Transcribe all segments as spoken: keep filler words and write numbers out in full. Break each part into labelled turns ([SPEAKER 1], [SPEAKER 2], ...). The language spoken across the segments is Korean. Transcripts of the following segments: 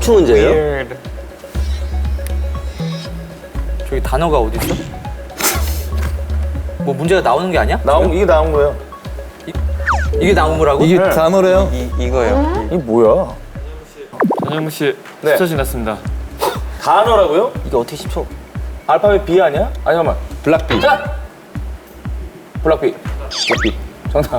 [SPEAKER 1] 퀴즈 문제예요?
[SPEAKER 2] Weird.
[SPEAKER 3] 저기 단어가 어디 있어? 뭐 문제가 나오는 게 아니야?
[SPEAKER 4] 나온 이게 나온 거예요.
[SPEAKER 3] 이게 나온 거라고?
[SPEAKER 5] 이게 단어래요?
[SPEAKER 2] 이, 이거요.
[SPEAKER 4] 이게 뭐야?
[SPEAKER 6] 전현무 씨
[SPEAKER 4] 네.
[SPEAKER 6] 십 초 지났습니다.
[SPEAKER 4] 단어라고요?
[SPEAKER 3] 이게 어떻게 십 초?
[SPEAKER 4] 알파벳 B 아니야? 아니 잠깐만.
[SPEAKER 5] 블락비.
[SPEAKER 4] 자! 블락비. 블락비. 정답.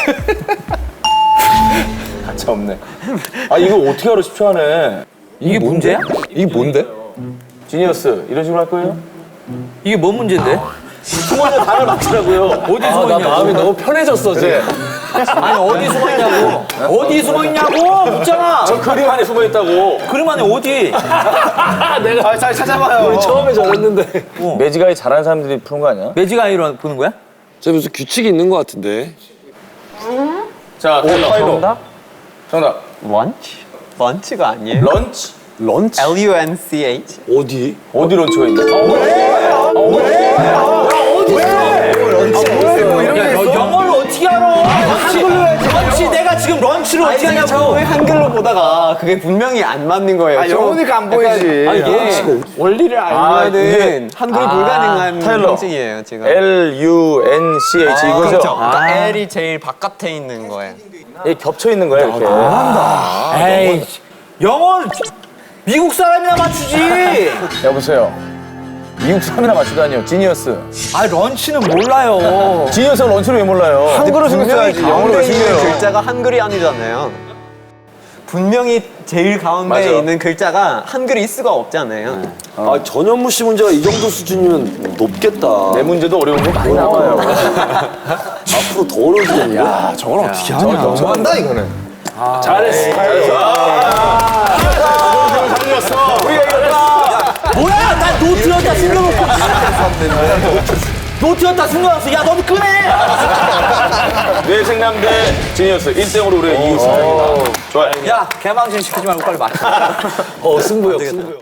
[SPEAKER 4] 가차 없네. 아 이거 어떻게 알아 십 초 안에.
[SPEAKER 3] 이게 문제야?
[SPEAKER 5] 이게 뭔데?
[SPEAKER 4] 지니어스 이런 식으로 할 거예요?
[SPEAKER 3] 이게 뭔 문제인데?
[SPEAKER 4] 숨어있는 단어를 맞추라고요.
[SPEAKER 3] 어디 숨어 있냐고?
[SPEAKER 5] 마음이 너무 편해졌어 지금.
[SPEAKER 3] 아니 어디 숨어 있냐고? 어디 숨어 있냐고? 묻잖아.
[SPEAKER 4] 저 그림 안에 숨어있다고.
[SPEAKER 3] 그럼 안에 어디?
[SPEAKER 4] 내가 아, 잘 찾아봐요.
[SPEAKER 5] 우리 처음에 저랬는데.
[SPEAKER 4] 매직아이 잘하는 사람들이 푸는 거 아니야?
[SPEAKER 3] 매직 아이로 보는 거야?
[SPEAKER 1] 저 무슨 규칙이 있는 것 같은데.
[SPEAKER 4] 자, 타일러.
[SPEAKER 2] 정답?
[SPEAKER 4] 정답.
[SPEAKER 2] Lunch? 런치가 아니에요?
[SPEAKER 4] 런치?
[SPEAKER 5] 런치?
[SPEAKER 2] L U N C H?
[SPEAKER 1] 어디?
[SPEAKER 4] 어디 런치가 있나?
[SPEAKER 3] 야, 너 영어를 어떻게 알아? 한글로 해야지. 런치 내가 지금 런치를 어떻게
[SPEAKER 2] 제가
[SPEAKER 3] 하냐고.
[SPEAKER 2] 처음에 한글로 보다가 그게 분명히 안 맞는 거예요.
[SPEAKER 4] 아, 영어니까 안 보이지.
[SPEAKER 2] 아, 이게 원리를
[SPEAKER 4] 아,
[SPEAKER 2] 알면은
[SPEAKER 4] 이게-
[SPEAKER 2] 한글이
[SPEAKER 4] 아,
[SPEAKER 2] 불가능한
[SPEAKER 4] 타일러.
[SPEAKER 2] 형식이에요, 지금.
[SPEAKER 4] L U N C H 이거죠?
[SPEAKER 2] 그렇죠. 그러니까 L이 제일 바깥에 있는 거예요.
[SPEAKER 4] 이게 겹쳐 있는 거야 이렇게.
[SPEAKER 3] 에이, 영어 미국 사람이나 맞추지.
[SPEAKER 4] 여보세요. 미국 사람이나 맞추다니요. 지니어스.
[SPEAKER 3] 아 런치는 몰라요.
[SPEAKER 4] 지니어스가 런치를 왜 몰라요? 한글로 생겼어야지. 영어로 왜
[SPEAKER 2] 가운데 있는
[SPEAKER 4] 생겨요?
[SPEAKER 2] 글자가 한글이 아니잖아요. 분명히 제일 가운데
[SPEAKER 4] 맞아.
[SPEAKER 2] 있는 글자가 한글일 수가 없잖아요.
[SPEAKER 1] 아 전현무 씨 문제가 이 정도 수준이면 높겠다.
[SPEAKER 4] 내 문제도 어려운 거 많이 나와요.
[SPEAKER 1] 앞으로 더 어려워지겠네. 야
[SPEAKER 5] 저걸 어떻게 하냐. 너무한다 이거는.
[SPEAKER 4] 잘했어. 잘했어. 잘렸어. 우리가 이겼다.
[SPEAKER 3] 뭐야? 나 노트였다 숨겨놓고. 노트였다 숨겨놨어. 야 너도 끄네.
[SPEAKER 4] 뇌생남 대 지니어스 일 대 영으로 우리가 이겼습니다. 좋아요.
[SPEAKER 3] 야 개망신 시키지 말고 빨리 맞춰.
[SPEAKER 1] 어 승부욕 승부욕.